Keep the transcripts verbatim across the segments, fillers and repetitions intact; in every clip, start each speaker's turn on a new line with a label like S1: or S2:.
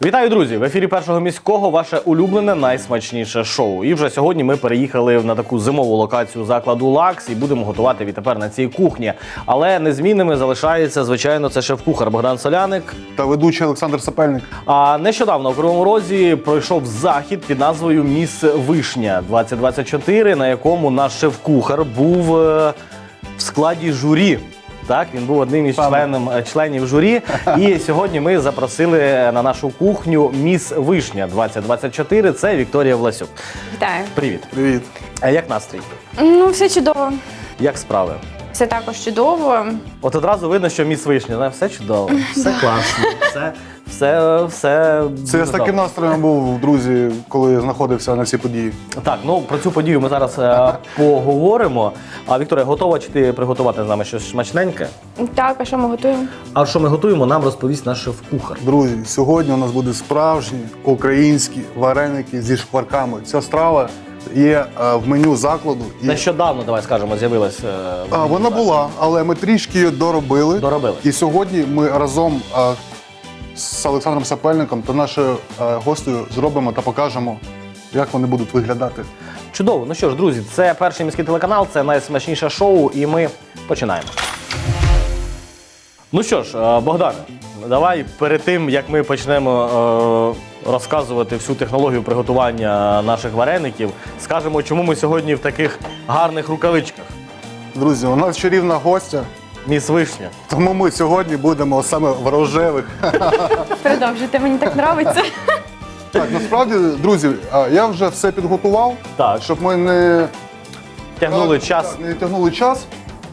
S1: Вітаю, друзі! В ефірі Першого міського ваше улюблене найсмачніше шоу. І вже сьогодні ми переїхали на таку зимову локацію закладу «Лакс» і будемо готувати відтепер на цій кухні. Але незмінними залишається, звичайно, це шеф-кухар Богдан Соляник
S2: та ведучий Олександр Сапельник.
S1: А нещодавно у Кривому Розі пройшов захід під назвою «Міс Вишня двадцять двадцять чотири», на якому наш шеф-кухар був е, в складі журі. Так, він був одним із членом, членів журі. І сьогодні ми запросили на нашу кухню «Міс Вишня двадцять двадцять чотири». Це Вікторія Власюк.
S3: Вітаю.
S1: Привіт.
S2: Привіт.
S1: А як настрій?
S3: Ну, все чудово.
S1: Як справи?
S3: Все також чудово.
S1: От одразу видно, що «Міс Вишня», да? Все чудово, все класно, все, все, все
S2: Це я з таким настроєм був, друзі, коли знаходився на цій події.
S1: Так, ну про цю подію ми зараз е, поговоримо. А Вікторія, готова чи ти приготувати з нами щось смачненьке?
S3: Так, а що ми готуємо?
S1: А що ми готуємо, нам розповість наш шеф-кухар.
S2: Друзі, сьогодні у нас буде справжні українські вареники зі шкварками. Ця страва є е, в меню закладу. І...
S1: Нещодавно, давай скажемо, з'явилась. Е, в
S2: А,
S1: меню
S2: вона
S1: закладу.
S2: була, але ми трішки її доробили.
S1: Доробили.
S2: І сьогодні ми разом е, з Олександром Сапельником та нашою е, гостею зробимо та покажемо, як вони будуть виглядати.
S1: Чудово. Ну що ж, друзі, це перший міський телеканал, це найсмачніше шоу, і ми починаємо. Ну що ж, е, Богдане, давай перед тим, як ми почнемо е, розказувати всю технологію приготування наших вареників, скажемо, чому ми сьогодні в таких гарних рукавичках.
S2: Друзі, у нас чарівна гостя,
S1: «Міс Вишня».
S2: тому ми сьогодні будемо саме в рожевих.
S3: Продовжуйте, мені так подобається.
S2: Так, насправді, друзі, а, я вже все підготував,
S1: Так.
S2: щоб ми не
S1: Тягнули
S2: так,
S1: час.
S2: так, не тягнули час.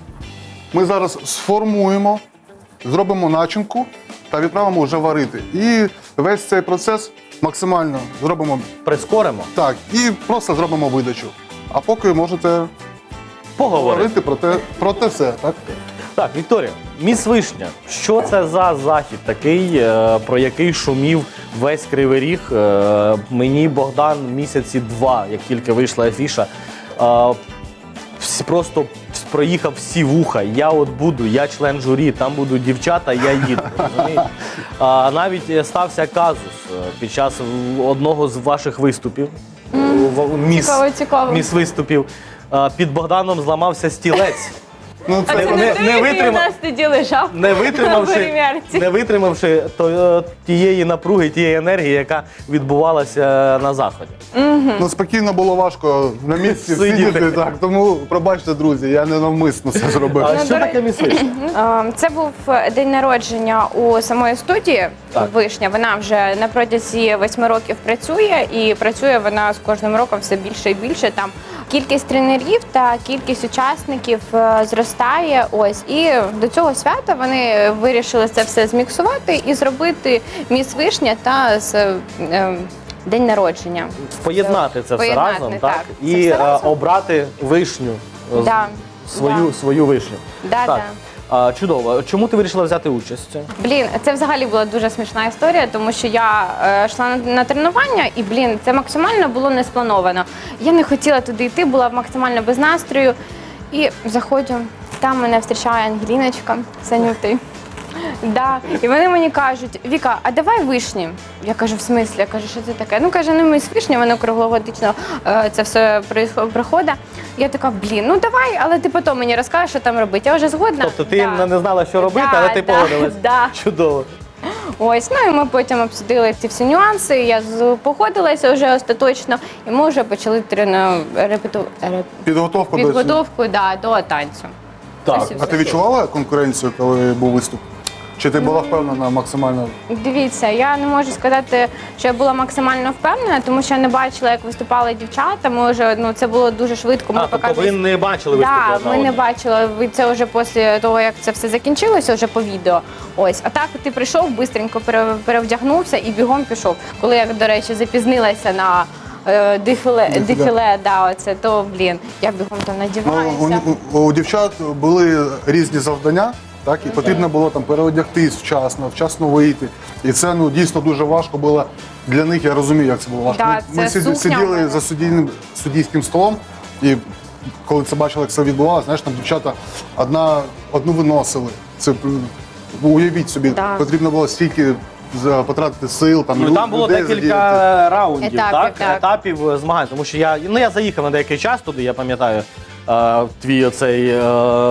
S2: Ми зараз сформуємо, зробимо начинку та відправимо вже варити. І весь цей процес максимально зробимо
S1: Прискоримо.
S2: так, і просто зробимо видачу. А поки можете
S1: Поговоримо.
S2: говорити про те, про те все, так?
S1: Так, Вікторія, «Міс Вишня». Що це за захід такий, е, про який шумів весь Кривий Ріг? Е, Мені Богдан місяці два, як тільки вийшла афіша, е, всі- просто проїхав всі вуха. Я от буду, я член журі, там будуть дівчата, я їду. розумієте? А навіть стався казус е, під час одного з ваших виступів. в- Міс,
S3: Цікаво, цікаво.
S1: міс виступів. Е, Під Богданом зламався стілець.
S2: Ну,
S3: А
S2: це,
S3: це
S1: не-
S3: не,
S1: не
S3: ти, який у
S1: витримав.
S3: нас тоді лежав
S1: Не
S3: на
S1: витримавши,
S3: перемірці.
S1: не витримавши то, е, тієї напруги, тієї енергії, яка відбувалася на заході.
S2: ну, спокійно було важко на місці
S1: Сидіти.
S2: сидіти, так, тому пробачте, друзі, я не навмисно це зробив.
S1: А
S3: Ну,
S1: що
S3: до
S1: таке «Міс Вишня»?
S3: Е, Це був день народження у самої студії
S1: Так.
S3: «Вишня». Вона вже на протязі восьми років працює, і працює вона з кожним роком все більше і більше. Там кількість тренерів та кількість учасників е, зростає. Ось і до цього свята вони вирішили це все зміксувати і зробити «Міс Вишня» та з е, день народження.
S1: Поєднати це все
S3: Поєднати,
S1: разом,
S3: так.
S1: так?
S3: Це
S1: І
S3: все
S1: е,
S3: разом.
S1: обрати вишню, е,
S3: Да.
S1: свою,
S3: Да.
S1: свою вишню.
S3: Да,
S1: так.
S3: да.
S1: А, чудово. Чому ти вирішила взяти участь?
S3: Блін, це взагалі була дуже смішна історія, тому що я е, йшла на, на тренування, і блін, це максимально було не сплановано. Я не хотіла туди йти, була максимально без настрою. І заходжу, там мене зустрічає Ангеліночка Санюти. Да. І вони мені кажуть: Віка, а давай вишні. Я кажу, в смислі? Я кажу, що це таке? Ну, каже, ну ми з вишні, воно круглогодично е, це все проїсхо- проходить. Я така, блін, ну давай, але ти потім мені розкажеш, що там робити. Я вже згодна.
S1: Тобто ти
S3: Да.
S1: не знала, що робити,
S3: Да,
S1: але ти
S3: да,
S1: погодилась.
S3: да.
S1: Чудово.
S3: Ось, ну і ми потім обсудили ці всі нюанси. Я з- погодилася вже остаточно, і ми вже почали трену репету... реп...
S2: Підготовку до цього.
S3: підготовку да, до танцю.
S1: Так.
S3: Ось і
S2: А ти відчувала конкуренцію, коли був виступ? Чи ти була впевнена максимально?
S3: Дивіться, я не можу сказати, що я була максимально впевнена, тому що я не бачила, як виступали дівчата. Ми вже ну це було дуже швидко. Ми
S1: А, тобто
S3: показували-
S1: ви не бачили виступу?
S3: Да,
S1: одна
S3: ми не
S1: одного?
S3: бачили. Ви це вже після того, як це все закінчилося, вже по відео. Ось, а так ти прийшов, бистренько пере- перевдягнувся і бігом пішов. Коли я, до речі, запізнилася на е, дефіле,
S2: Дефіле.
S3: дефіле, да, оце, то блін, я бігом там
S2: Ну,
S3: надіваюся.
S2: у, у, у дівчат були різні завдання, так, і потрібно було там переодягтись вчасно, вчасно вийти. І це ну, дійсно дуже важко було для них, я розумію, як це було важко.
S3: Да,
S2: Ми-
S3: це
S2: Ми сид-
S3: сукня в
S2: сиділи
S3: мене.
S2: за суддійним, суддійським столом, і коли це бачили, як це відбувалося, знаєш, там дівчата одна, одну виносили. Це м, уявіть собі,
S3: Да.
S2: потрібно було стільки з- потратити сил, там,
S1: Ну,
S2: лю-
S1: там було
S2: людей
S1: декілька
S2: задіяти.
S1: раундів,
S3: Етапів,
S1: так?
S3: так.
S1: етапів е, змагань. Тому що я, ну, я заїхав на деякий час туди, я пам'ятаю, е, твій оцей е,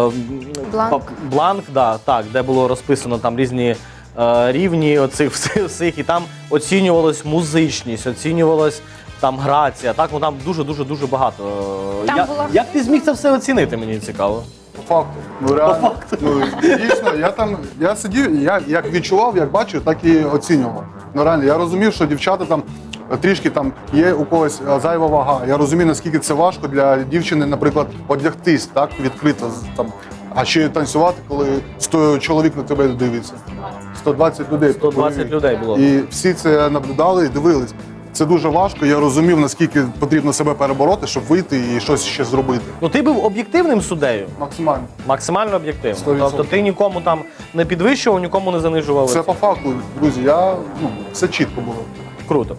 S3: Бланк.
S1: пап- бланк, да, так, де було розписано там різні е, рівні оцих всіх, всіх, і там оцінювалась музичність, оцінювалась там грація. Так, ну там дуже-дуже-дуже багато. Е,
S3: Там
S1: я-
S3: було-
S1: Як ти зміг це все оцінити, мені цікаво.
S2: По факту. Ну, реально. Ну, дійсно, я там, я сидів, я як відчував, як бачив, так і оцінював. Ну реально, я розумів, що дівчата там трішки там є у когось е, зайва вага. Я розумію, наскільки це важко для дівчини, наприклад, одягтись так відкрито з- там, а ще й танцювати, коли сто чоловік на тебе дивиться. сто двадцять людей.
S1: сто двадцять людей було.
S2: І всі це наблюдали і дивились. Це дуже важко. Я розумів, наскільки потрібно себе перебороти, щоб вийти і щось ще зробити.
S1: Ну ти був об'єктивним суддею?
S2: Максимально.
S1: Максимально об'єктивно.
S2: сто відсотків.
S1: Тобто ти нікому там не підвищував, нікому не занижував.
S2: Це по факту, друзі. Я ну все чітко було.
S1: Круто.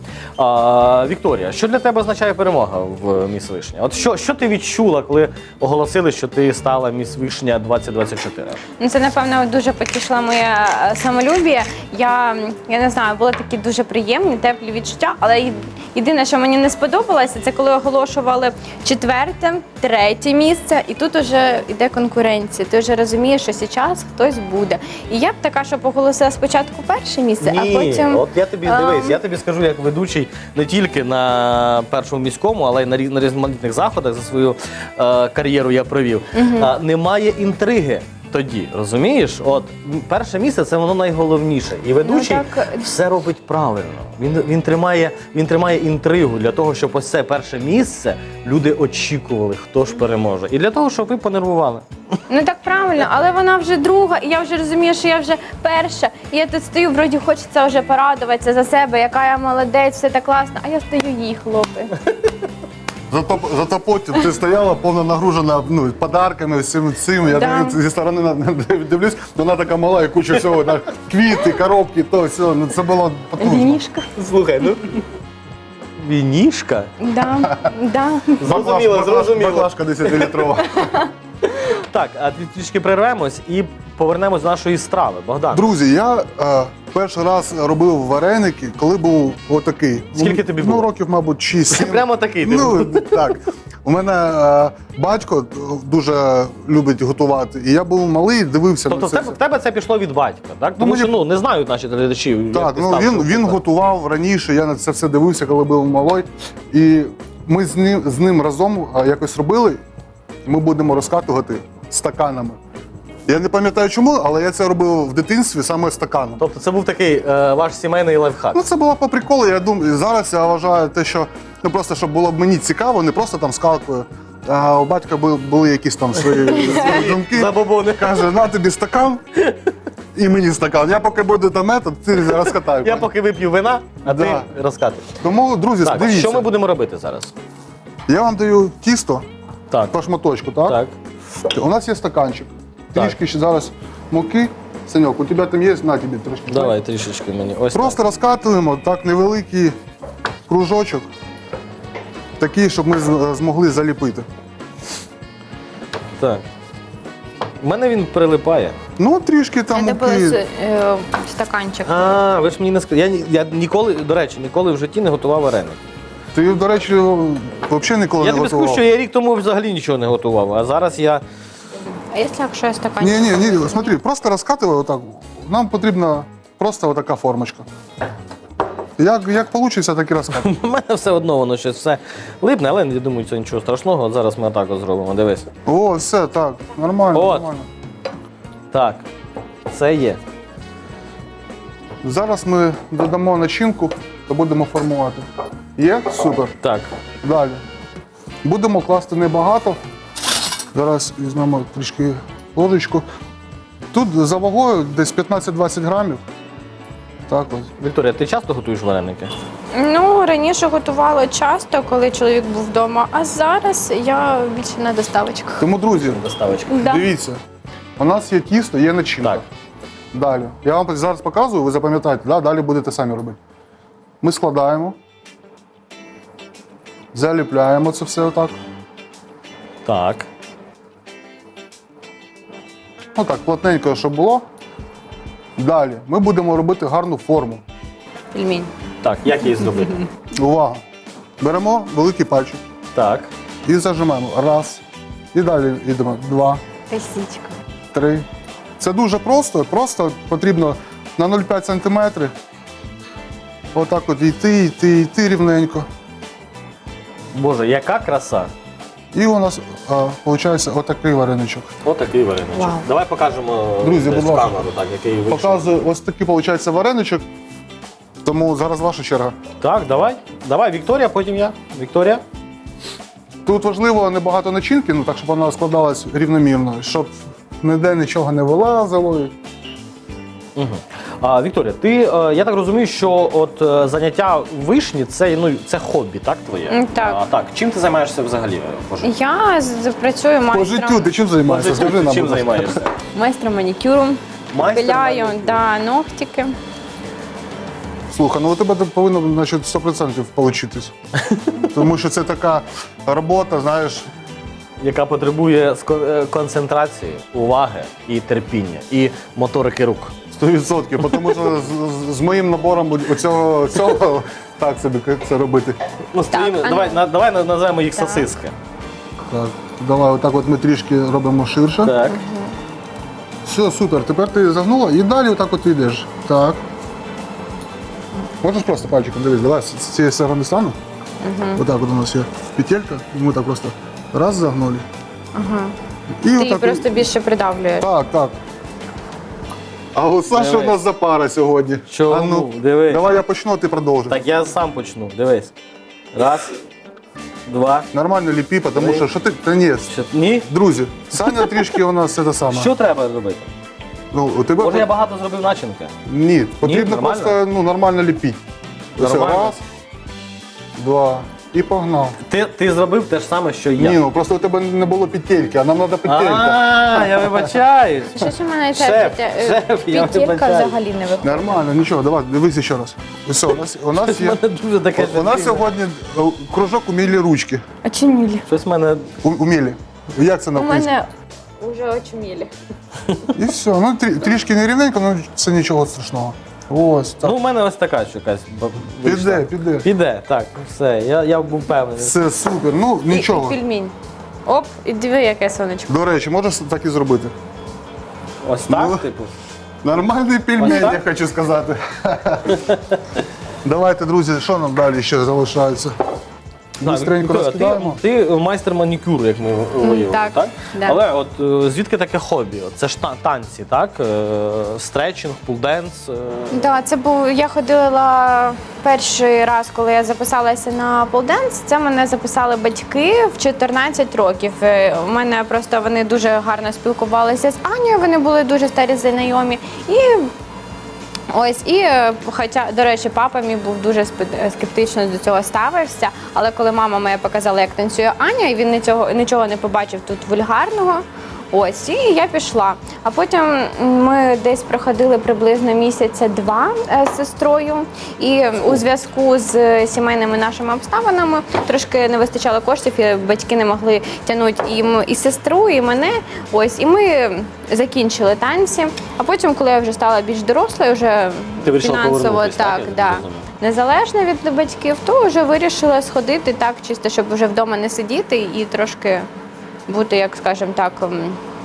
S1: А, Вікторія, що для тебе означає перемога в Міс Вишня? От що, що ти відчула, коли оголосили, що ти стала Міс Вишня двадцять двадцять чотири?
S3: Ну, це, напевно, дуже потішило моє е, самолюбіє. Я, я не знаю, були такі дуже приємні, теплі відчуття, але й- єдине, що мені не сподобалося, це коли оголошували четверте, третє місце, і тут вже йде конкуренція. Ти вже розумієш, що зараз хтось буде. І я б така, щоб оголосила спочатку перше місце, а потім.
S1: от я тобі
S3: ем,
S1: дивись, я тобі скажу як ведучий не тільки на першому міському, але й на різ- на різноманітних заходах за свою е, кар'єру я провів. А, немає інтриги. Тоді, розумієш? От м, перше місце це воно найголовніше. І ведучий
S3: Ну, так.
S1: все робить правильно. Він, він, тримає, він тримає інтригу для того, щоб ось це перше місце люди очікували, хто ж переможе. І для того, щоб ви понервували.
S3: Ну так правильно, але вона вже друга, і я вже розумію, що я вже перша. І я тут стою, вроді хочеться вже порадуватися за себе, яка я молодець, все так класно, а я стою їй, хлопи.
S2: Зато, зато потім ти стояла повно нагружена ну, подарками, всім цим. Я
S3: Да.
S2: так зі сторони на- на- дивлюсь, вона така мала і куча всього, так, квіти, коробки, то все. Ну це було потужно.
S3: Вінішка.
S1: Слухай, ну. Вінішка?
S3: Да, да.
S1: Зрозуміло,
S2: Баклаж-
S1: зрозуміло.
S2: Баклажка десятилітрова.
S1: Так, а трішки перервемось і повернемось до нашої страви. Богдан,
S2: Друзі, я е, перший раз робив вареники, коли був отакий.
S1: Скільки тобі
S2: Ну,
S1: було?
S2: років, мабуть, шість-сім.
S1: Прямо такий ти
S2: Ну,
S1: був.
S2: так. У мене е, батько дуже любить готувати, і я був малий, дивився
S1: тобто
S2: на
S1: в
S2: це.
S1: тебе,
S2: все.
S1: в тебе це пішло від батька, так? Тому
S2: мені-
S1: що ну, не знають наші глядачі. як
S2: Так,
S1: ти
S2: ну
S1: став
S2: він,
S1: цим
S2: він
S1: кухарем.
S2: готував раніше, я на це все дивився, коли був малий. І ми з ним, з ним разом а, якось робили, ми будемо розкатувати стаканами. Я не пам'ятаю чому, але я це робив в дитинстві саме стаканом.
S1: Тобто це був такий е, ваш сімейний лайфхак.
S2: Ну, це було по приколу. Я думаю, зараз я вважаю те, що ну просто щоб було б мені цікаво, не просто там скалкою. А у батька були, були якісь там свої, свої думки.
S1: Забобони.
S2: Каже, на тобі стакан і мені стакан. Я поки буду там метод, ти розкатай.
S1: Я поки вип'ю вина, а
S2: Да.
S1: ти розкатиш.
S2: Тому, друзі,
S1: Так,
S2: дивіться.
S1: що ми будемо робити зараз?
S2: Я вам даю тісто
S1: Так,
S2: по шматочку, так?
S1: так.
S2: У нас є стаканчик.
S1: Так.
S2: Трішки ще зараз муки. Саньок, у тебе там є, на тобі трошки.
S1: Давай трішечки мені. Ось
S2: Просто розкатуємо так невеликий кружочок, такий, щоб ми з- змогли заліпити.
S1: так. Так. У мене він прилипає.
S2: Ну, трішки там
S3: Це був
S2: муки.
S3: е, стаканчик.
S1: А, ви ж мені не сказали. Я, ні- я ніколи, до речі, ніколи в житті не готував вареник.
S2: Ти, до речі, взагалі ніколи
S1: Я
S2: не
S1: тобі скажу,
S2: готував.
S1: що я рік тому взагалі нічого не готував, а зараз я.
S3: А якщо якщо я стаканчик?
S2: Ні, ні, ні, смотри, просто розкатуй отак. Нам потрібна просто отака формочка. Як, як вийде, так і розкатуй.
S1: У мене все одно воно щось все липне, але я думаю, це нічого страшного. От зараз ми отак от зробимо. Дивись.
S2: О, все, так, нормально,
S1: От.
S2: нормально.
S1: Так, це є.
S2: Зараз ми додамо начинку та будемо формувати. Є? Супер.
S1: Так.
S2: Далі. Будемо класти небагато. Зараз візьмемо трішки ложечку. Тут за вагою десь п'ятнадцять-двадцять грамів. Так ось.
S1: Вікторія, ти часто готуєш вареники?
S3: Ну, раніше готувала часто, коли чоловік був вдома, а зараз я більше на доставочках.
S2: Тому, друзі,
S1: Доставочка.
S3: Да.
S2: дивіться, у нас є тісто, є начинка.
S1: Так.
S2: Далі. Я вам зараз показую, ви запам'ятаєте, да? Далі будете самі робити. Ми складаємо, заліпляємо це все отак.
S1: Так.
S2: Отак, плотненько, щоб було. Далі ми будемо робити гарну форму.
S3: Пельмінь.
S1: Так, як її зробити?
S2: Увага! Беремо великий пальчик
S1: Так.
S2: і зажимаємо. Раз. І далі йдемо. Два,
S3: Косичка.
S2: три. Це дуже просто. Просто потрібно на нуль цілих п'ять сантиметрів. Отак от йти, йти, йти рівненько.
S1: Боже, яка краса.
S2: І у нас виходить отакий вареничок.
S1: Отакий вареничок.
S3: Вау.
S1: Давай покажемо
S2: Друзі,
S1: десь
S2: будь
S1: в
S2: ласка.
S1: камеру, так, який вийшов.
S2: Показую, ось такий виходить вареничок. Тому зараз ваша черга.
S1: Так, давай. Давай, Вікторія, потім я. Вікторія.
S2: Тут важливо небагато начинки, ну так, щоб вона складалась рівномірно, щоб ніде нічого не вилазило.
S1: Угу. А, Вікторія, ти, е, я так розумію, що от е, заняття в вишні це, ну, це хобі, так, твоє?
S3: М, так.
S1: А, так. Чим ти займаєшся взагалі е, по життю?
S3: Я з- працюю
S2: По життю
S3: майстром,
S2: ти чим займаєшся?
S1: По життю
S2: Скажи
S1: ти
S2: нам,
S1: чим
S2: будь ласка.
S1: займаєшся?
S3: майстром манікюру.
S1: Майстер
S3: Пиляю,
S1: манікюру.
S3: да, ногтики.
S2: Слухай, ну у тебе тут повинно значить, сто відсотків получитись. Тому що це така робота, знаєш,
S1: Яка потребує ско- е, концентрації, уваги і терпіння, і моторики рук.
S2: сто відсотків. Тому що з, з- з моїм набором оцього, цього так собі це робити.
S1: Ну, з
S3: Так,
S1: твоїми-
S3: а ну.
S1: давай, на, давай на- назвемо їх
S3: Так.
S1: сосиски.
S2: Так, давай, отак от ми трішки робимо ширше.
S1: Так.
S2: Все, супер. Тепер ти загнула і далі отак от йдеш. Так. Можеш просто пальчиком дивись, давай з з цієї сторони стану. Отак от у нас є петелька, і ми так просто раз загнули.
S3: Ага.
S2: І
S3: Ти її
S2: отак.
S3: просто більше придавлюєш.
S2: Так, так. А от Саша
S1: Дивись.
S2: у нас за пара сьогодні.
S1: Чому?
S2: А ну,
S1: Дивись.
S2: давай я почну, а ти продовжуй.
S1: Так, я сам почну. Дивись. Раз, два.
S2: Нормально ліпі, тому
S1: Три.
S2: що що ти. Та ні.
S1: Що, ні?
S2: Друзі, Саня трішки у нас це саме.
S1: Що треба зробити?
S2: Ну, у тебе
S1: Може, я багато зробив начинки?
S2: Ні, потрібно
S1: нормально?
S2: просто ну, нормально ліпіть. Ось
S1: Нормально?
S2: раз, два. І погнав.
S1: Ти, ти зробив те ж саме, що і я.
S2: Ні, ну просто у тебе не було петельки, а нам треба петелька.
S1: А, я вибачаюсь.
S3: Що ж у мене ця
S1: Шеф,
S3: петя-
S1: шеф, я
S3: петелька
S1: вибачаюсь.
S3: взагалі не виходить.
S2: Нормально, нічого, давай, дивись ще раз. Ось, у нас, у нас
S1: У
S2: є.
S1: мене дуже таке
S2: У нас
S1: життя.
S2: сьогодні е, кружок умілі ручки.
S3: Очумілі.
S1: Щось в мене.
S2: У- Умілі. Як це на
S3: У
S2: українському?
S3: мене вже очумілі.
S2: І все. Ну, трі- трішки нерівненько, але це нічого страшного. Ось так.
S1: Ну, у мене ось така що якась б- вийшла.
S2: Піде, піде.
S1: Піде, так, все. Я, я був впевнений.
S2: Все супер. Ну,
S3: І,
S2: нічого.
S3: і пельмінь. Оп, і диви, яке сонечко.
S2: До речі, можеш так і зробити.
S1: Ось так,
S2: Ну,
S1: типу.
S2: Нормальний пельмень,
S1: Ось так?
S2: я хочу сказати. Давайте, друзі, що нам далі ще залишається? Бистренько
S1: Вікторія,
S2: розкидаємо.
S1: Ти, ти майстер манікюру, як ми виявили,
S3: так,
S1: так?
S3: да.
S1: Але от е, звідки таке хобі? От це ж та- танці, так? Е, Стретчинг, пулденс. е.
S3: Так, це був. Я ходила перший раз, коли я записалася на полденс. Це мене записали батьки в чотирнадцять років. Е, У мене просто вони дуже гарно спілкувалися з Анією, вони були дуже старі знайомі. І ось, і е, хоча, до речі, папа мій був дуже спе- скептично до цього ставився. Але коли мама моя показала, як танцює Аня, і він нічого, нічого не побачив тут вульгарного. Ось, і я пішла. А потім ми десь проходили приблизно місяця два е, з сестрою. І у зв'язку з сімейними нашими обставинами трошки не вистачало коштів, і батьки не могли тягнути і, м- і сестру, і мене. Ось, і ми закінчили танці. А потім, коли я вже стала більш дорослою, вже
S1: Ти вирішила
S3: фінансово
S1: повернутись, так,
S3: так,
S1: я так
S3: да,
S1: розумію?
S3: незалежно від батьків, то вже вирішила сходити так, чисто, щоб вже вдома не сидіти і трошки бути, як скажемо так. м,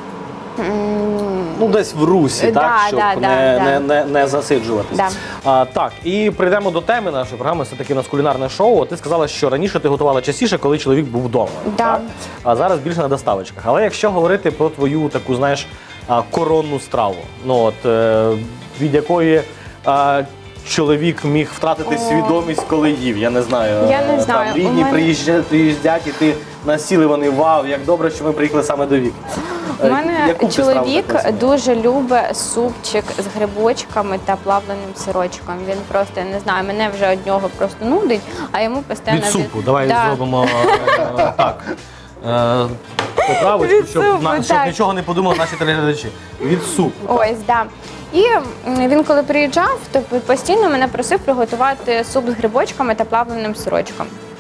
S3: м,
S1: Ну, десь в русі,
S3: Да,
S1: так? Щоб
S3: да, да,
S1: не,
S3: да.
S1: Не, не, не засиджуватись.
S3: Да.
S1: А, так, і прийдемо до теми нашої програми. Все таки у нас кулінарне шоу. Ти сказала, що раніше ти готувала частіше, коли чоловік був вдома.
S3: Да.
S1: Так? А зараз більше на доставочках. Але якщо говорити про твою таку, знаєш, а, коронну страву, ну от е, від якої. а, Чоловік міг втратити свідомість, коли їв. Я не знаю.
S3: Я не
S1: Е,
S3: знаю.
S1: Там рідні
S3: У мене-
S1: приїжджають, приїздять, і ти насіли вони. Вау, як добре, що ми приїхали саме до Віки.
S3: У
S1: Е,
S3: мене
S1: яку б ти страву
S3: чоловік
S1: так назвала?
S3: дуже любить супчик з грибочками та плавленим сирочком. Він просто, я не знаю, мене вже від нього просто нудить, а йому постійно...
S1: Від супу. Давай
S3: Да.
S1: зробимо е, так. Е, Поправочку,
S3: Від
S1: щоб,
S3: супу,
S1: на- щоб
S3: так.
S1: нічого не подумали наші телеглядачі. Від супу.
S3: Ось, да. І м, він, коли приїжджав, то постійно мене просив приготувати суп з грибочками та плавленим сирочком.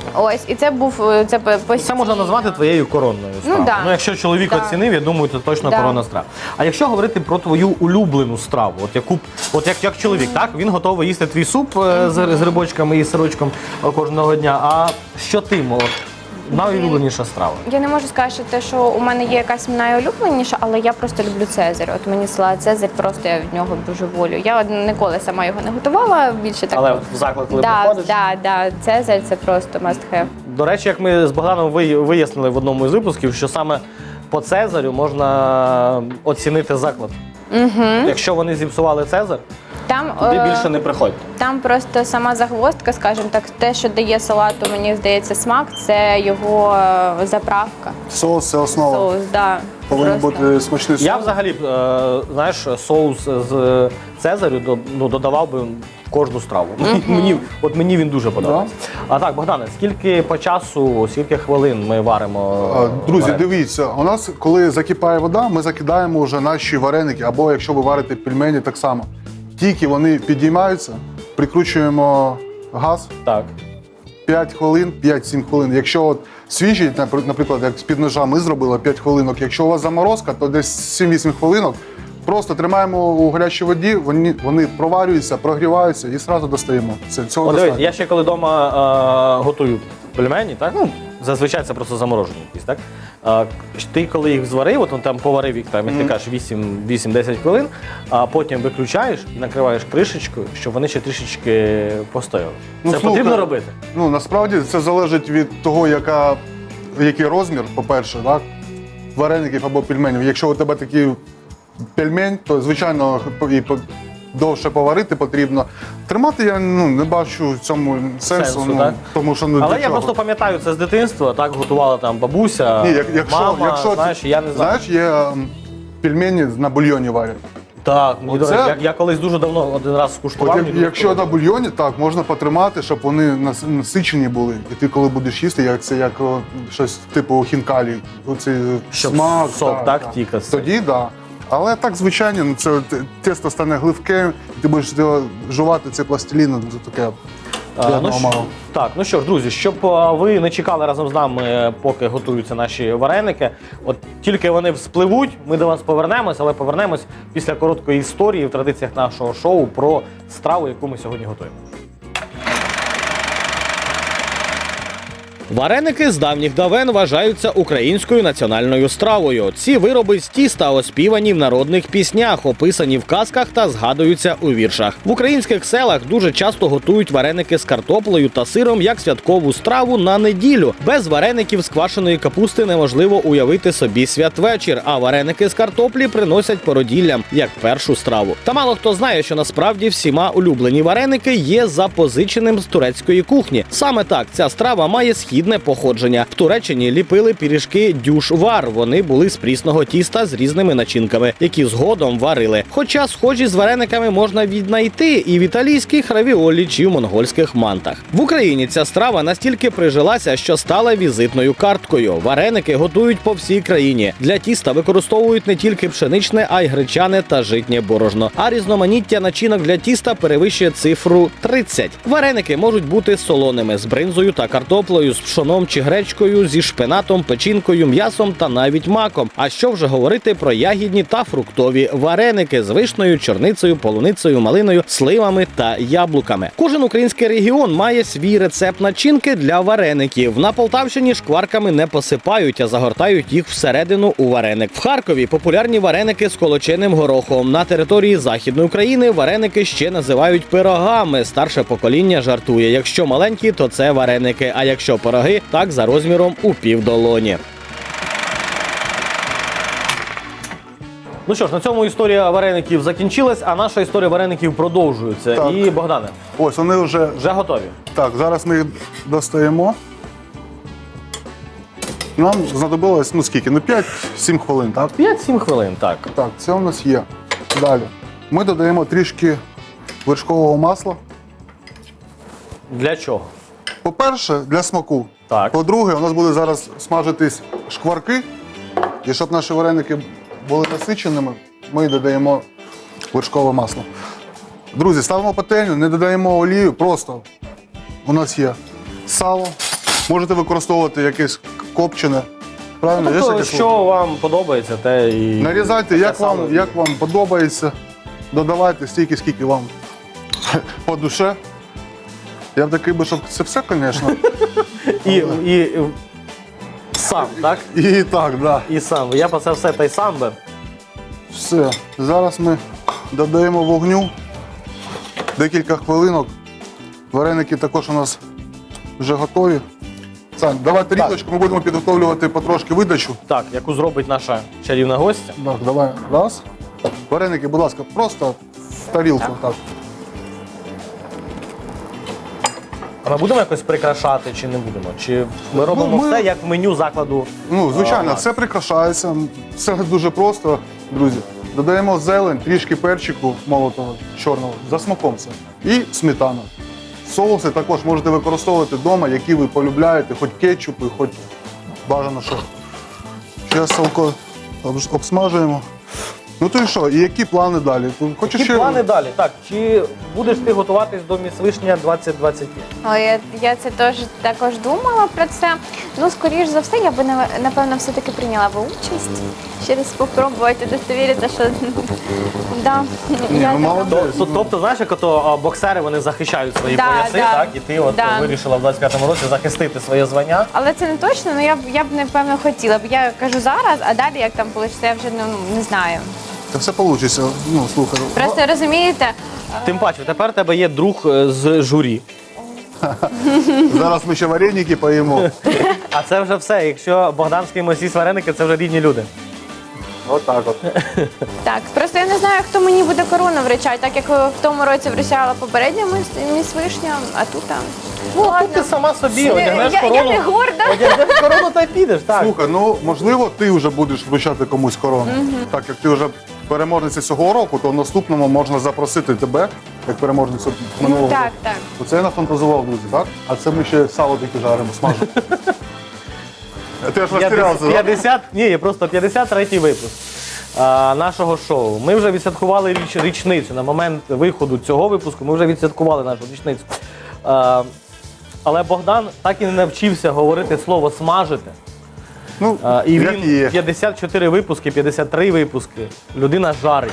S3: Ось, і це був е, це по- по
S1: Це можна назвати твоєю коронною стравою.
S3: да.
S1: Ну, якщо чоловік
S3: Да.
S1: оцінив, я думаю, це точно
S3: Да.
S1: коронна страва. А якщо говорити про твою улюблену страву, от яку, от як, як чоловік, так він готовий їсти твій суп е, з, з рибочками і сирочком е, кожного дня. А що ти, мо- найулюбленіша страва?
S3: Я не можу сказати, що те, що у мене є якась найулюбленіша, але я просто люблю Цезарь. От мені салат Цезарь, просто я від нього дуже волю. Я от ніколи сама його не готувала, більше так.
S1: Але в заклад, коли
S3: да,
S1: приходиш.
S3: да, да, Цезарь це просто must have.
S1: До речі, як ми з Богданом ви- вияснили в одному із випусків, що саме по Цезарю можна оцінити заклад. Угу. Якщо вони зіпсували Цезар,
S3: Там,
S1: туди
S3: е,
S1: більше не приходьте.
S3: там просто сама загвоздка, скажімо так, те, що дає салату, мені здається, смак, це його е, заправка.
S2: Соус це основа.
S3: Соус, да.
S2: Повинен
S3: Просто.
S2: бути смачний соус.
S1: Я взагалі, е, знаєш, соус з Цезарю до- ну, додавав би в кожну страву. Мені, от мені він дуже подобається. А так, Богдане, скільки по часу, скільки хвилин ми варимо?
S2: А, Друзі,
S1: вареники?
S2: дивіться, у нас, коли закипає вода, ми закидаємо вже наші вареники, або якщо ви варите пельмені, так само. Тільки вони підіймаються, прикручуємо газ
S1: Так.
S2: п'ять хвилин, п'ять-сім хвилин. Якщо от свіжі, напр- наприклад, як з-під ножа ми зробили п'ять хвилинок. Якщо у вас заморозка, то десь сім-вісім хвилинок. Просто тримаємо у гарячій воді, вони, вони проварюються, прогріваються і одразу достаємо. Це цього
S1: От дивись,
S2: достатньо.
S1: я ще коли вдома е, готую пельмені, так? Ну, зазвичай це просто заморожені якісь, так? Е, ти коли їх зварив, от, ну, там поварив їх, там, як ти кажеш, вісім-десять хвилин, а потім виключаєш і накриваєш кришечкою, щоб вони ще трішечки постояли.
S2: Ну,
S1: це
S2: слухай,
S1: потрібно робити?
S2: Ну, насправді це залежить від того, яка, який розмір, по-перше, так? Вареників або пельменів. Якщо у тебе такий пельмень, то, звичайно, і по- довше поварити потрібно. Тримати я ну, не бачу в цьому сенсу,
S1: Сенсу,
S2: ну,
S1: так?
S2: тому що ну,
S1: Але
S2: для
S1: я
S2: чого?
S1: просто пам'ятаю це з дитинства, так готувала там бабуся,
S2: Ні, як, якщо,
S1: мама,
S2: якщо,
S1: знаєш, я не знаю.
S2: Знаєш, є ем, пельмені на бульйоні варять.
S1: Так, мені, до
S2: Оце-
S1: речі, я, я колись дуже давно один раз
S2: От
S1: скуштував.
S2: як,
S1: мені дуже
S2: якщо на
S1: сподобалось.
S2: бульйоні, так, можна потримати, щоб вони нас- насичені були. І ти коли будеш їсти, як це як о, щось типу хінкалі, оцей
S1: Щоб
S2: смак.
S1: сок, так, тік ось цей.
S2: Тоді так. Да. Але так, звичайно, ну, це те- тесто стане гливке, і ти будеш його жувати цей пластилін, ну, це таке
S1: А,
S2: для
S1: ну,
S2: одного
S1: що,
S2: мало.
S1: так, ну що ж, друзі, щоб а, ви не чекали разом з нами, поки готуються наші вареники. От тільки вони вспливуть, ми до вас повернемось, але повернемось після короткої історії в традиціях нашого шоу про страву, яку ми сьогодні готуємо. Вареники з давніх давен вважаються українською національною стравою. Ці вироби з тіста оспівані в народних піснях, описані в казках та згадуються у віршах. В українських селах дуже часто готують вареники з картоплею та сиром як святкову страву на неділю. Без вареників з квашеної капусти неможливо уявити собі святвечір, а вареники з картоплі приносять породіллям як першу страву. Та мало хто знає, що насправді всіма улюблені вареники є запозиченим з турецької кухні. Саме так ця страва має східне походження. В Туреччині ліпили пиріжки дюшвар. Вони були з прісного тіста з різними начинками, які згодом варили. Хоча схожі з варениками можна віднайти і в італійських равіолі чи в монгольських мантах. В Україні ця страва настільки прижилася, що стала візитною карткою. Вареники готують по всій країні. Для тіста використовують не тільки пшеничне, а й гречане та житнє борошно. А різноманіття начинок для тіста перевищує цифру тридцять. Вареники можуть бути солоними з бринзою та картоплею, з пшоном чи гречкою, зі шпинатом, печінкою, м'ясом та навіть маком. А що вже говорити про ягідні та фруктові вареники з вишнею, чорницею, полуницею, малиною, сливами та яблуками. Кожен український регіон має свій рецепт начинки для вареників. На Полтавщині шкварками не посипають, а загортають їх всередину у вареник. В Харкові популярні вареники з колоченим горохом. На території Західної України вареники ще називають пирогами. Старше покоління жартує: якщо маленькі, то це вареники, а якщо пироги, так за розміром у півдолоні. Ну що ж, на цьому історія вареників закінчилась, а наша історія вареників продовжується.
S2: Так.
S1: І, Богдане,
S2: Ось вони вже.
S1: вже готові.
S2: Так, зараз ми їх достаємо. Нам знадобилось, ну скільки? Ну п'ять-сім хвилин, так?
S1: п'ять-сім хвилин, так.
S2: Так, це у нас є. Далі. Ми додаємо трішки вершкового масла.
S1: Для чого?
S2: По-перше, для смаку.
S1: Так.
S2: По-друге, у нас буде зараз смажитись шкварки. І щоб наші вареники були насиченими, ми додаємо вершкове масло. Друзі, ставимо пательню, не додаємо олію, просто у нас є сало, Можете використовувати якесь копчене. Правильно? Є
S1: Тобто,
S2: таке
S1: що
S2: слово?
S1: вам подобається, те і
S2: Нарізайте, як
S1: саме
S2: вам, як вам подобається. Додавайте стільки, скільки вам по душе. Я б такий би, щоб це все, звісно.
S1: і, і, і сам, так?
S2: І так, так. Да.
S1: І сам. Я по це все та й сам би.
S2: Все. Зараз ми додаємо вогню. Декілька хвилинок. Вареники також у нас вже готові. Сань, давай тарілочку, ми будемо підготовлювати потрошки видачу.
S1: Так, яку зробить наша чарівна гостя.
S2: Так, давай. Раз. Вареники, будь ласка, просто в тарілку. Так.
S1: А ми будемо якось прикрашати чи не будемо? Чи ми робимо
S2: Ну, ми-
S1: все як в меню закладу?
S2: Ну, звичайно,
S1: А,
S2: все прикрашається. Все дуже просто, друзі. Додаємо зелень, трішки перчику молотого, чорного, за смаком це. І сметана. Соуси також можете використовувати вдома, які ви полюбляєте, хоч кетчупи, хоч бажано що. Зараз салко обж- обсмажуємо. Ну то і що, і які плани далі? Хочеш
S1: Які
S2: ще...
S1: плани далі? Так, чи будеш ти готуватись до Міс Вишня двадцять двадцять п'ять?
S3: Але я, я це теж також думала про це. Ну, скоріш за все, я би нав- напевно все-таки прийняла би участь. Ще раз спробувати удостовіритися, що да,
S2: Ні,
S3: я
S2: ну,
S3: така-
S2: молодець.
S1: То- Тобто, знаєш, як ото а, боксери вони захищають свої
S3: Да,
S1: пояси,
S3: да.
S1: так? І ти от
S3: Да.
S1: вирішила в двадцять п'ятому році захистити своє звання.
S3: Але це не точно, але я б я б напевно хотіла б. Я кажу зараз, а далі як там вийде, я вже ну, не знаю.
S2: Це все вийде. Ну, слухай.
S3: Просто розумієте,
S1: Тим паче, тепер у тебе є друг е, з журі.
S2: Зараз ми ще вареники поїмо.
S1: А це вже все. Якщо Богдан з кимось їсть вареники, це вже рідні люди.
S2: Отак от.
S3: так, просто я не знаю, хто мені буде корону вручати, так як в тому році вручала попередня міс- міс Вишня, а тут там.
S1: Ну, тут ти сама собі
S3: Я-
S1: одягнеш
S3: я- я
S1: корону.
S3: не горда.
S1: Одягнеш корону та й підеш, так.
S2: Слухай, ну можливо, ти вже будеш вручати комусь корону. Так як ти вже переможниця цього року, то в наступному можна запросити тебе як переможницю минулого
S3: Так,
S2: року.
S3: так.
S2: Оце я нафантазував, друзі, так? А це ми ще сало таке жаримо, смажимо. Ти аж розтірявся, так?
S1: п'ятдесят, ні, просто п'ятдесят третій випуск а, нашого шоу. Ми вже відсвяткували річ, річницю. На момент виходу цього випуску ми вже відсвяткували нашу річницю. А, але Богдан так і не навчився говорити слово смажити.
S2: Ну,
S1: А, і
S2: як
S1: він
S2: є.
S1: п'ятдесят чотири випуски, п'ятдесят три випуски. Людина жарить.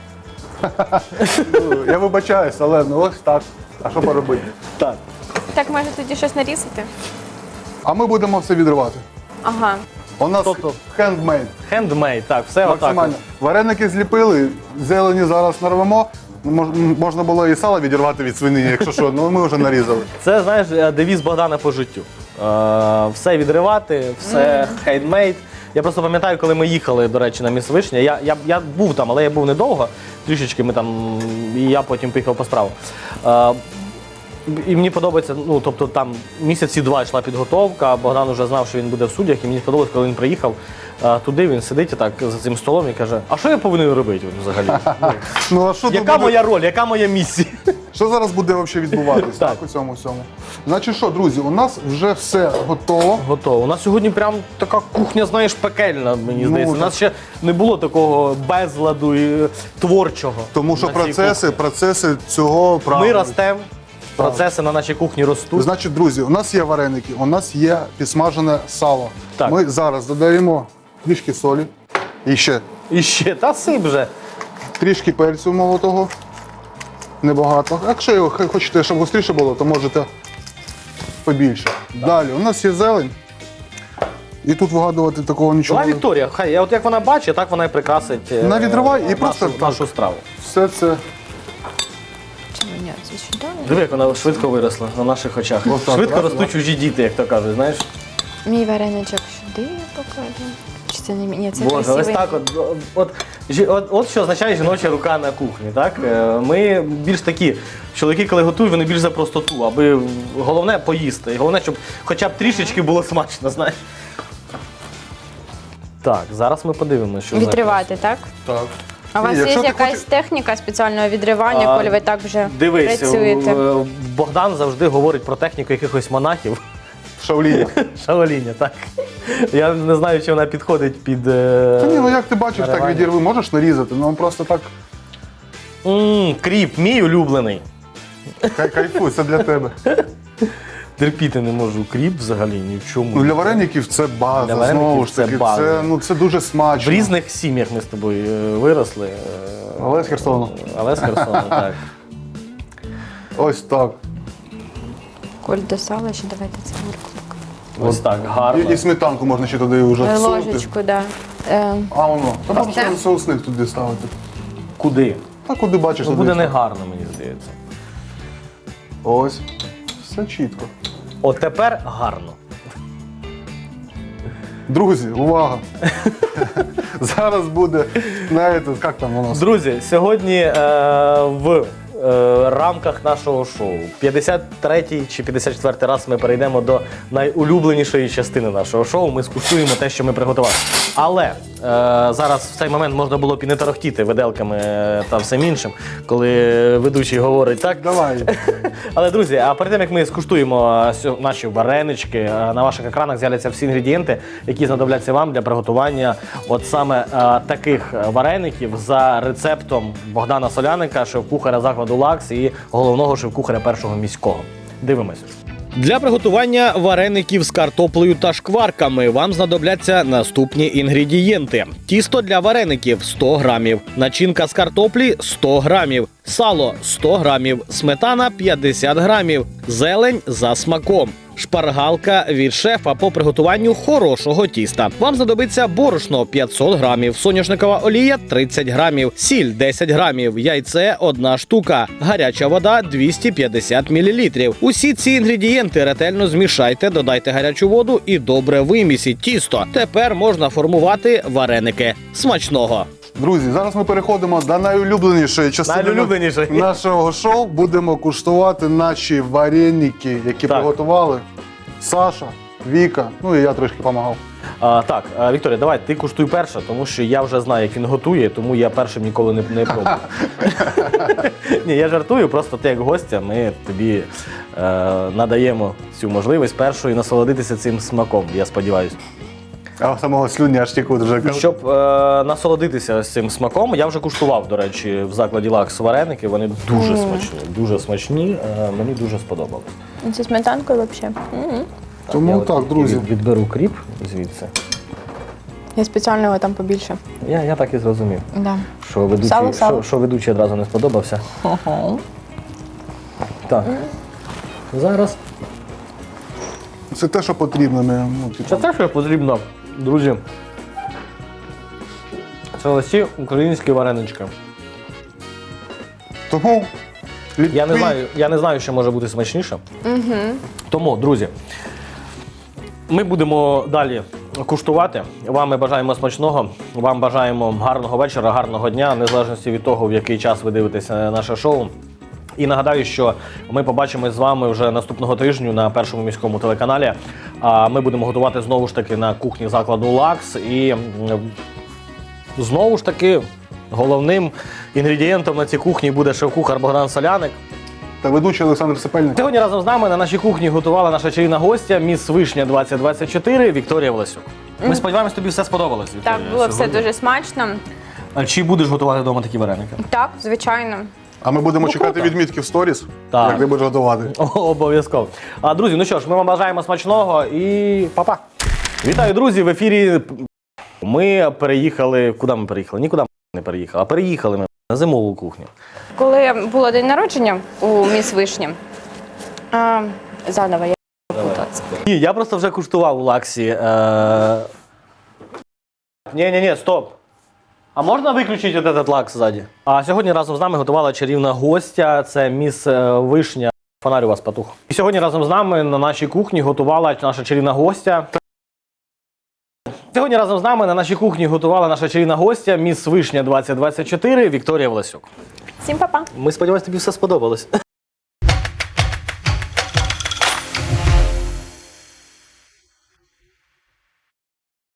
S2: Ну, я вибачаюсь, але ну ось так. А що поробити?
S1: Так.
S3: Так, може тоді щось нарізати?
S2: А ми будемо все відривати.
S3: Ага.
S2: У нас
S1: Тобто-
S2: хендмейд.
S1: Хендмейд, так, все отак.
S2: Максимально. Вареники зліпили, зелені зараз нарвемо. Мож- Можна було і сало відірвати від свинині, якщо що, ну ми вже нарізали.
S1: Це, знаєш, девіз Богдана по життю. Е, все відривати, все хендмейд. Я просто пам'ятаю, коли ми їхали, до речі, на Міс Вишня. Я, я, я був там, але я був недовго. Трішечки ми там, і я потім поїхав по справу. Е, і мені подобається, ну, тобто там місяці два йшла підготовка, Богдан вже знав, що він буде в суддях, і мені сподобалось, коли він приїхав е, туди, він сидить так за цим столом і каже, а що я повинен робити взагалі? Ну,
S2: Ну а що тут
S1: яка
S2: буде?
S1: моя роль, яка моя місія?
S2: Що зараз буде взагалі відбуватись
S1: Так.
S2: так, у цьому всьому? Значить що, друзі, у нас вже все готово.
S1: Готово. У нас сьогодні прям така кухня, знаєш, пекельна, мені
S2: Ну,
S1: здається. У
S2: вже.
S1: нас ще не було такого безладу і е, творчого.
S2: Тому що
S1: на цій
S2: процеси,
S1: кухні.
S2: процеси цього
S1: Ми
S2: правильно.
S1: ростемо, процеси на нашій кухні ростуть.
S2: Значить, друзі, у нас є вареники, у нас є підсмажене сало.
S1: Так.
S2: Ми зараз додаємо трішки солі і ще
S1: І ще, та сип вже.
S2: трішки перцю молотого. Небагато. Якщо його х- хочете, щоб гостріше було, то можете побільше. Далі, у нас є зелень. І тут вигадувати такого нічого.
S1: Була Вікторія, хай, от як вона бачить, так вона і прикрасить е,
S2: Навідривай і
S1: нашу,
S2: просто так.
S1: нашу страву.
S2: Все це
S3: Чи мені це чудово?
S1: Диви, як вона швидко виросла на наших очах.
S2: Отак,
S1: швидко
S2: раз,
S1: ростуть
S2: раз.
S1: чужі діти, як то кажуть, знаєш.
S3: Мій вареничок сюди я покладу. Чи це не мій? Ні, це
S1: Боже, ось
S3: красивий.
S1: так от, от, жі- от, от що означає жіноча рука на кухні. Так? Е, Ми більш такі, чоловіки, коли готують, вони більш за простоту, аби головне поїсти. І головне, щоб хоча б трішечки було смачно, знаєш. Так, зараз ми подивимося, що
S3: Відривати, так?
S2: так.
S3: А у вас
S2: Ні,
S3: є
S2: якщо ти
S3: якась
S2: хочеш-
S3: техніка спеціального відривання,
S1: А,
S3: коли ви так вже
S1: Дивись,
S3: працюєте?
S1: е, Богдан завжди говорить про техніку якихось монахів.
S2: Шаоліня.
S1: Шаоліня, так. Я не знаю, чи вона підходить під. е,
S2: Та ні, ну як ти бачиш, так
S1: наривання.
S2: відірви, можеш нарізати, ну просто так
S1: М, кріп, мій улюблений.
S2: кай- кайфуй, це для тебе.
S1: терпіти не можу кріп взагалі ні в чому.
S2: Ну, для вареників це база,
S1: Для вареників
S2: знову ж
S1: це
S2: таки.
S1: база.
S2: Це, ну, це дуже
S1: В
S2: смачно.
S1: різних сім'ях ми з тобою е, виросли. е,
S2: Але з Херсону.
S1: Але з Херсону, так.
S2: Ось так.
S3: Коль до сала, ще давайте цибульку.
S1: Ось так, гарно.
S2: І, і сметанку можна ще туди вже
S3: Е,
S2: всунути.
S3: Ложечку, да. Е,
S2: А воно. Та можна
S3: Це?
S2: ще соусник туди ставити.
S1: Куди?
S2: Та куди бачиш,
S1: Ну,
S2: туди
S1: буде
S2: став.
S1: негарно, мені здається.
S2: Ось. Все чітко.
S1: От тепер гарно.
S2: Друзі, увага! Зараз буде, знаєте, як там воно?
S1: Друзі, сьогодні е, в е, рамках нашого шоу п'ятдесят третій чи п'ятдесят четвертий раз ми перейдемо до найулюбленішої частини нашого шоу. Ми скуштуємо те, що ми приготували. Але е, зараз в цей момент можна було б і не тарахтіти виделками е, та всім іншим, коли ведучий говорить так.
S2: Давай.
S1: Але, друзі, а перед тим, як ми скуштуємо а, сьо- наші варенички, а, на ваших екранах з'являться всі інгредієнти, які знадобляться вам для приготування от саме а, таких вареників за рецептом Богдана Соляника, шеф-кухаря закладу «Лакс» і головного шеф-кухаря першого міського. Дивимось. Для приготування вареників з картоплею та шкварками вам знадобляться наступні інгредієнти: тісто для вареників сто грамів, начинка з картоплі сто грамів, сало сто грамів, сметана п'ятдесят грамів, зелень за смаком. Шпаргалка від шефа по приготуванню хорошого тіста. Вам знадобиться борошно п'ятсот грамів, соняшникова олія тридцять грамів, сіль десять грамів, яйце одна штука, гаряча вода двісті п'ятдесят мілілітрів. Усі ці інгредієнти ретельно змішайте, додайте гарячу воду і добре вимісіть тісто. Тепер можна формувати вареники. Смачного!
S2: Друзі, зараз ми переходимо до найулюбленішої частини
S1: Найулюбленішої.
S2: нашого шоу. Будемо куштувати наші вареники, які
S1: Так.
S2: приготували Саша, Віка, ну і я трошки допомагав.
S1: А, так, а, Вікторія, давай ти куштуй перша, тому що я вже знаю, як він готує, тому я першим ніколи не, не пробую. Ні, я жартую, просто ти як гостя, ми тобі е, надаємо цю можливість першою насолодитися цим смаком, я сподіваюся.
S2: А самого слюні аж тікуть вже.
S1: Щоб е, насолодитися цим смаком, я вже куштував, до речі, в закладі «Лакс» вареники, вони дуже смачні, дуже смачні, е, мені дуже сподобалось.
S3: Зі сметанкою взагалі.
S2: Тому
S1: я от
S2: так, друзі.
S1: від- Відберу кріп звідси.
S3: Я спеціально його там побільше.
S1: Я, я так і зрозумів.
S3: Да.
S1: Що ведучий,
S3: Сало, сало.
S1: Що, що ведучий одразу не сподобався. Так. Зараз.
S2: Це те, що потрібно. Не, ну, типу.
S1: Це те, що потрібно, друзі. Це ось ці українські варенички.
S2: Тому
S1: Я не
S2: ліпи-
S1: знаю, я не знаю, що може бути смачніше. Угу. Тому, друзі, ми будемо далі куштувати. Вам ми бажаємо смачного, вам бажаємо гарного вечора, гарного дня, незалежно від того, в який час ви дивитеся наше шоу. І нагадаю, що ми побачимось з вами вже наступного тижня на першому міському телеканалі. А ми будемо готувати знову ж таки на кухні закладу «Лакс». І м, знову ж таки головним інгредієнтом на цій кухні буде шеф-кухар Богдан Соляник.
S2: Та ведучий Олександр Сапельник.
S1: Сьогодні разом з нами на нашій кухні готувала наша чарівна гостя, міс Вишня двадцять двадцять чотири Вікторія Власюк. Ми сподіваємось, тобі все сподобалось, Вікторія.
S3: Так, було все
S1: сьогодні.
S3: дуже смачно.
S1: А чи будеш готувати вдома такі вареники?
S3: Так, звичайно.
S2: А ми будемо
S1: Ну,
S2: чекати
S1: круто.
S2: відмітки в сторіс,
S1: Так.
S2: як ти будеш готувати.
S1: О, обов'язково. А, друзі, ну що ж, ми вам бажаємо смачного і па-па. Вітаю, друзі, в ефірі. Ми переїхали. Куди ми переїхали? Нікуди ми не переїхали, а переїхали ми на зимову кухню.
S3: Коли було день народження у міс Вишні, а, заново я путалася.
S1: Ні, я просто вже куштував у Лаксі. Е... Ні, ні, ні, стоп. А можна виключити от этот лакс ззаді? А сьогодні разом з нами готувала чарівна гостя. Це міс е, Вишня. Фонарь у вас патух. І сьогодні разом з нами на нашій кухні готувала наша чарівна гостя. Сьогодні разом з нами на нашій кухні готувала наша чарівна гостя, міс Вишня двадцять двадцять чотири Вікторія Власюк.
S3: Всім па-па!
S1: Ми сподіваємось, тобі все сподобалось.